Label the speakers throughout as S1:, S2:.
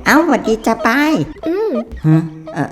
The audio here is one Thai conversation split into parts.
S1: เอ้าสวัสดีจ้าปายฮะ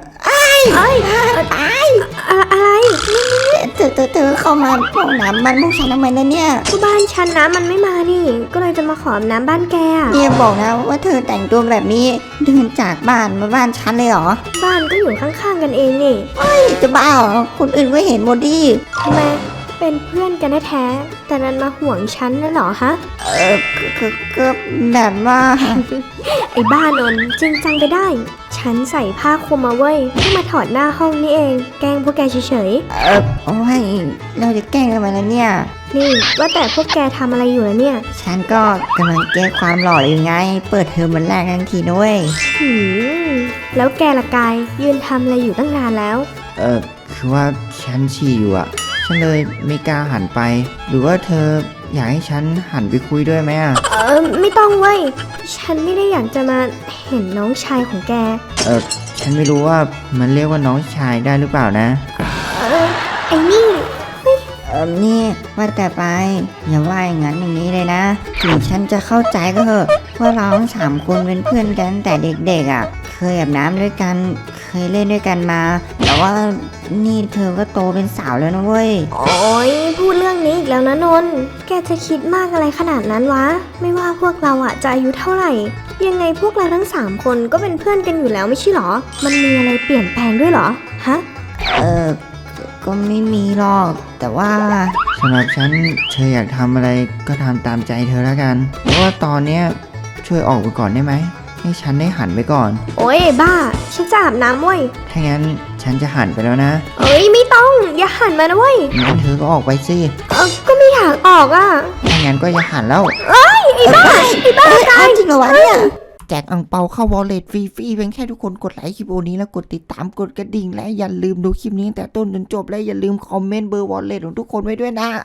S2: อะไร
S1: เธอเข้ามาห้องน้ำบ้านพวกฉันทำไมนะเนี่ย
S2: ก็บ้านฉันน้ำมันไม่มานี่ก็เลยจะมาขอน้ำบ้านแก
S1: เนี่ยบอกนะว่าเธอแต่งตัวแบบนี้เดินจากบ้านมาบ้านฉันเลยเหรอ
S2: บ้านก็อยู่ข้างๆกันเองนี่
S1: จะบ้าเหรอคนอื่นก็เห็นหมดดิ
S2: ทำไมเป็นเพื่อนกันแท้ๆแต่นั้นมาห่วงฉันน่ะเหรอฮะ
S1: ก็แบบว่า
S2: ไอ้บ้านนจริงจังไปได้ฉันใส่ผ้าคลุมมาเว้ยเพิ่งมาถอดหน้าห้องนี่เองแกล้งพวกแกเฉย
S1: โอ้ยเราจะแกล้งกันมาแล้วเนี่ย
S2: นี่ว่าแต่พวกแกทำอะไรอยู่แล้วเนี่ย
S1: ฉันก็กำลังแก้ความหล่ออยู่ไงเปิดเทอมวันแรกทั้งทีด้วย
S2: แล้วแกละกายยืนทำอะไรอยู่ตั้งนานแล้ว
S3: คือว่าฉันฉี่อยู่อะฉันเลยไม่กล้าหันไปหรือว่าเธออยากให้ฉันหันไปคุยด้วยไหมอะ
S2: ไม่ต้องเว้ยฉันไม่ได้อยากจะมาเห็นน้องชายของแก
S3: ฉันไม่รู้ว่ามันเรียกว่าน้องชายได้หรือเปล่านะ
S2: ไอ้นี่
S1: นี่ว่าแต่ไปอย่าว่าอย่างนั้นอย่างนี้เลยนะถึงฉันจะเข้าใจก็เถอะว่าเราทั้ง3 คนเป็นเพื่อนกันแต่เด็กๆอ่ะเคยอาบน้ำด้วยกันเคยเล่นด้วยกันมาแต่ว่านี่เธอก็โตเป็นสาวแล้วนะเว้ย
S2: โอ้ยพูดเรื่องนี้อีกแล้วนะนนท์แกจะคิดมากอะไรขนาดนั้นวะไม่ว่าพวกเราอ่ะจะอายุเท่าไหร่ยังไงพวกเราทั้ง3 คนก็เป็นเพื่อนกันอยู่แล้วไม่ใช่หรอมันมีอะไรเปลี่ยนแปลงด้วยหรอฮะ
S1: ก็ไม่มีหรอกแต่ว่า
S3: สำหรับฉันเธออยากทำอะไรก็ทำตามใจเธอแล้วกันเพราะว่าตอนเนี้ยช่วยออกไปก่อนได้ไหมให้ฉันได้หันไปก่อน
S2: โอ้ยบ้าฉันจะอาบน้ำเว้ย
S3: ถ้างั้นฉันจะหันไปแล้วนะ
S2: ไม่ต้องอย่าหันมานะเว้ย
S3: งั้นเธอก็ออกไปสิ
S2: ก็ไม่อยากออกอ่ะ
S3: ถ้างั้นก็อย่าหันแล้ว
S2: ไอ้บ้าตาย
S1: จริงเหรอวะเนี่ย
S3: แจกอั่งเปาเข้าวอลเล็ตฟรีๆเพียงแค่ทุกคนกดไลค์คลิปนี้แล้วกดติดตามกดกระดิ่งและอย่าลืมดูคลิปนี้แต่ต้นจนจบและอย่าลืมคอมเมนต์เบอร์วอลเล็ตของทุกคนไว้ด้วยนะ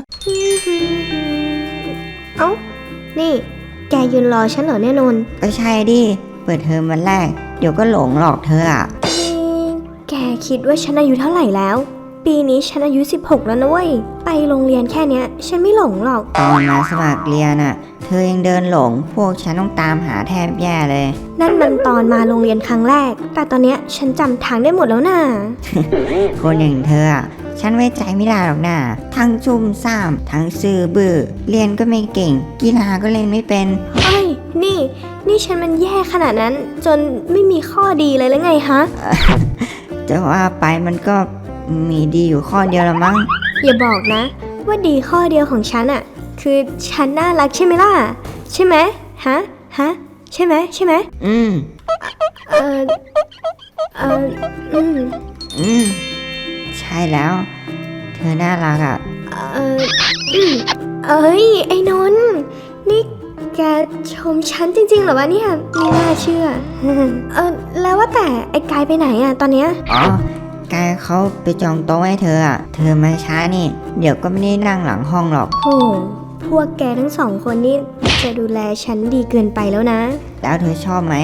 S2: นี่แกยืนรอฉันเหรอเนี่ยนนท์
S1: ก็ใช่ดิเปิดเทอมวันแรกเดี๋ยวก็หลงหลอกเธออ่ะ
S2: แกคิดว่าฉันอายุเท่าไหร่แล้วปีนี้ฉันอายุ16แล้วนะเว้ยไปโรงเรียนแค่เนี้ยฉันไม่หลงหรอก
S1: ตอนมาสมัครเรียนอ่ะเธอยังเดินหลงพวกฉันต้องตามหาแทบแย่เลย
S2: นั่นมันตอนมาโรงเรียนครั้งแรกแต่ตอนเนี้ยฉันจำทางได้หมดแล้วน่ะ
S1: คนอย่างเธอฉันไว้ใจไม่ได้หรอกนะทั้งซุ่มซ่ามทั้งซื่อบื้อเรียนก็ไม่เก่งกีฬาก็เล่นไม่เป็น
S2: นี่ฉันมันแย่ขนาดนั้นจนไม่มีข้อดีเลยแล้วไงฮะ
S1: จะว่าไปมันก็มีดีอยู่ข้อเดียวละมั้ง
S2: อย่าบอกนะว่าดีข้อเดียวของฉันคือฉันน่ารักใช่ไหมล่ะใช่ไหมฮะใช่ไหมใช่ไหม
S1: ใช่แล้วเธอน่ารัก
S2: ไอ้นนท์นี่แกชมฉันจริงๆเหรอวะเนี่ยไม่น่าเชื่อแล้วว่าแต่ไอ้กายไปไหนตอนเนี้ย
S1: กายเขาไปจองโต๊ะให้เธอเธอมาช้านี่เดี๋ยวก็ไม่ได้นั่งหลังห้องหรอก
S2: โหพวกแกทั้ง2 คนนี่จะดูแลฉันดีเกินไปแล้วนะ
S1: แล้วเธอชอบไหม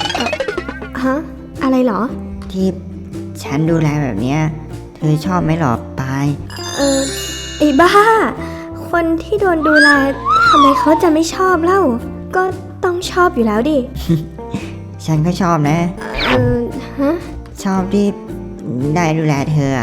S2: อะไรเหรอ
S1: ที่ฉันดูแลแบบเนี้ยเธอชอบไหมหรอปาย
S2: ไอ้บ้าคนที่โดนดูแลทำไมเขาจะไม่ชอบเล่าก็ต้องชอบอยู่แล้วดิ
S1: ฉันก็ชอบนะชอบที่ได้ดูแลเธอ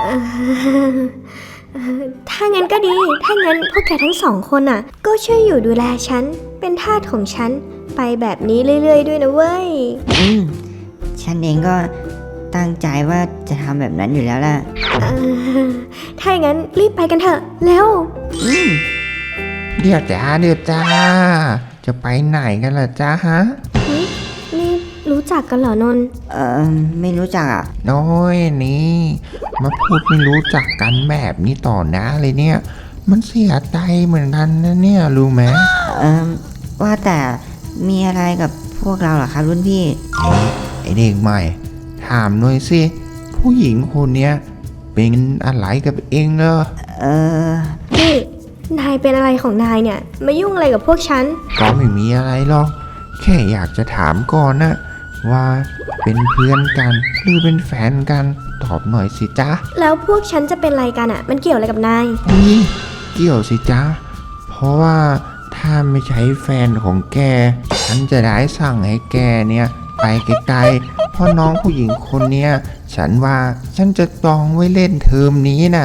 S2: ถ้างั้นก็ดีถ้างั้นพวกแกทั้ง2 คนก็ช่วยอยู่ดูแลฉันเป็นทาสของฉันไปแบบนี้เรื่อยๆด้วยนะเว้ย
S1: ฉันเองก็ตั้งใจว่าจะทำแบบนั้นอยู่แล้วล่ะ
S2: ถ้างั้นรีบไปกันเถอะเร็ว
S3: เดี๋ยวจ้าจะไปไหนกันล่ะจ้าฮะ
S2: นี่รู้จักกันเหรอนนท์
S1: ไม่รู้จัก
S3: น้อยนี่มาพูดไม่รู้จักกันแบบนี้ต่อหน้าเลยเนี่ยมันเสียใจเหมือนกันนะเนี่ยรู้ไหม
S1: ว่าแต่มีอะไรกับพวกเราเหรอครับรุ่นพี่
S3: ไอเด็กใหม่ถามหน่อยสิผู้หญิงคนเนี้ยเป็นอะไรกับเองเหรอ
S2: นี่นายเป็นอะไรของนายเนี่ยมายุ่งอะไรกับพวกฉัน
S3: ก็ไม่มีอะไรหรอกแค่อยากจะถามก่อนนะว่าเป็นเพื่อนกันหรือเป็นแฟนกันตอบหน่อยสิจ๊ะ
S2: แล้วพวกฉันจะเป็นอะไรกันมันเกี่ยวอะไรกับนาย
S3: นี่เกี่ยวสิจ๊ะเพราะว่าถ้าไม่ใช่แฟนของแกฉ
S4: ฉันจะได้สั่งให้แกเนี่ยไปไกลๆเพราะน้องผู้หญิงคนเนี้ยฉันว่าฉันจะจองไว้เล่นเทอมนี้น่ะ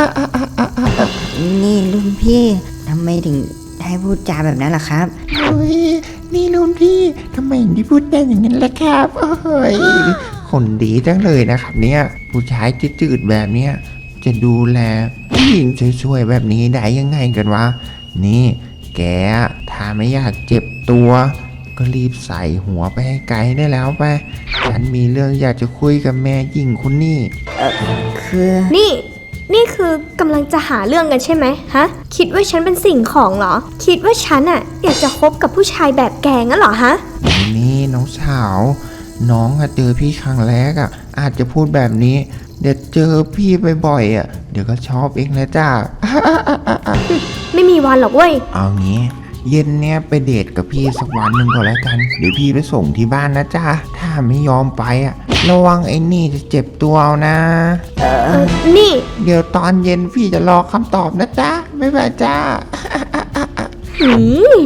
S1: นี่รุ่นพี่ทำไมถึงได้พูดจาแบบนั้นล่ะครับ
S3: เฮ้ยนี่รุ่นพี่ทำไมถึงได้พูดได้อย่างนั้นล่ะครับเฮ้ย
S4: คนดีจังเลยนะครับเนี่ยผู้ชายจืดๆแบบเนี้ยจะดูแลผู้หญิงช่วยๆแบบนี้ได้ยังไงกันวะนี่แกถ้าไม่อยากเจ็บตัว ก็รีบใส่หัวไปให้ไกลได้แล้วไปฉันมีเรื่องอยากจะคุยกับแม่หญิงคนนี้
S1: คือ
S2: นี่คือกำลังจะหาเรื่องกันใช่ไหมฮะ คิดว่าฉันเป็นสิ่งของเหรอ คิดว่าฉันอะอยากจะคบกับผู้ชายแบบแกงั้นเหรอฮะ
S4: นี่น้องสาวน้องอะเจอพี่ครั้งแรกอะอาจจะพูดแบบนี้เดี๋ยวเจอพี่บ่อยๆอะเดี๋ยวก็ชอบเองแล้วจ้า
S2: ไม่มีวันหรอกเว้ย
S4: เอางี้เย็นเนี้ยไปเดทกับพี่สักวันหนึ่งก่อนแล้วกัน เดี๋ยวพี่ไปส่งที่บ้านนะจ๊ะ ถ้าไม่ยอมไปอ่ะ ระวังไอ้นี่จะเจ็บตัวเอานะ
S2: นี่
S4: เดี๋ยวตอนเย็นพี่จะรอคำตอบนะจ๊ะบ๊ายบายจ้า
S2: หืม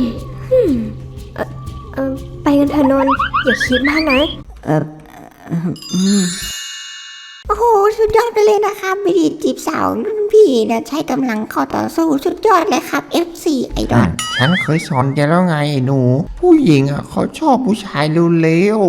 S2: ไปกันเถอะนนท์อย่าคิดมากนะ
S1: โอ้โหสุดยอดไปเลยนะครับวิธีจีบสาวรุ่นพี่นะใช้กำลังเข้าต่อสู้สุดยอดเลยครับ F4 ไอดอล
S4: ฉันเคยสอนแกแล้วไงไอ้หนู ผู้หญิงอ่ะเขาชอบผู้ชายเร็ว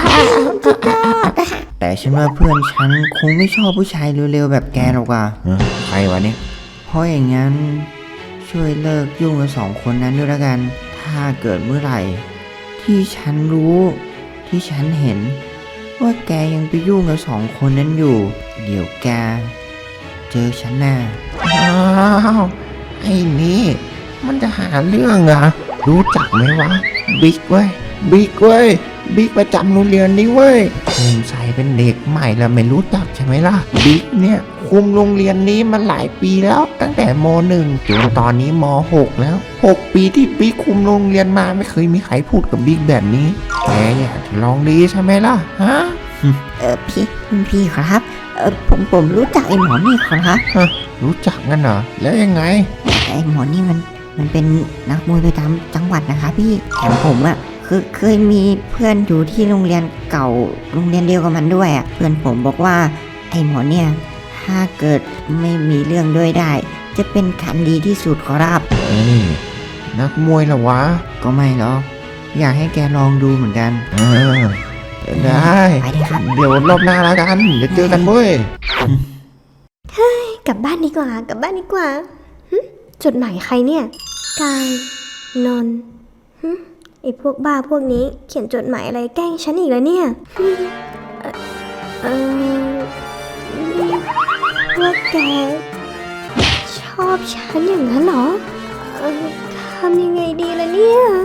S1: แต่ฉันว่าเพื่อนฉันคงไม่ชอบผู้ชายเร็วๆแบบแกหรอกว่ะ
S4: ๆใครวะเนี่ย
S1: เพราะอย่างนั้นช่วยเลิกยุ่งกับสองคนนั้นด้วยละกัน ถ้าเกิดเมื่อไหร่ ที่ฉันรู้ที่ฉันเห็น ว่าแกยังไปยุ่งกับสองคนนั้นอยู่ เดี๋ยวแกเจอฉันแน่
S4: อ้าวไอ้นี่มันจะหาเรื่องเหรอรู้จักไหมวะบิ๊กเว้ยบิ๊กประจำโรงเรียนนี้เว้ยผมใส่เป็นเด็กใหม่แล้วไม่รู้จักใช่ไหมล่ะบิ๊กเนี่ยคุมโรงเรียนนี้มาหลายปีแล้วตั้งแต่ม .1 จนตอนนี้ม .6 แล้ว6 ปีที่บิ๊กคุมโรงเรียนมาไม่เคยมีใครพูดกับบิ๊กแบบนี้แกอยากจะลองดีใช่ไหมล่ะฮะ
S1: พี่ขอรับผมรู้จักไอ้หมอนี่ขอรับ
S4: รู้จักงั้นเหรอแล้วยังไง
S1: ไอ้หมอนี่มันเป็นนักมวยประจำจังหวัดนะคะพี่แถมผมอะคือเคยมีเพื่อนอยู่ที่โรงเรียนเก่าโรงเรียนเดียวกับมันด้วยอะเพื่อนผมบอกว่าไอ้หมอเนี่ยถ้าเกิดไม่มีเรื่องด้วยได้ จะเป็นคันดีที่สุดขอรับ
S4: เอ้ยนักมวยเหรอวะ
S1: ก็ไม่หรอกอยากให้แกลองดูเหมือนกัน
S4: เออได้
S1: ไปเลยครับ
S4: เดี๋ยวรอบหน้าแล้วกันเดี๋ยวเจอกันเว้ย
S2: กลับบ้านดีกว่า หึจดหมายใครเนี่ย กาย นนท์หึไอพวกบ้าพวกนี้เขียนจดหมายอะไรแกล้งฉันอีกแล้วเนี่ยหึพวกแก ชอบฉันอย่างนั้นเหรอทำยังไงดีล่ะเนี่ย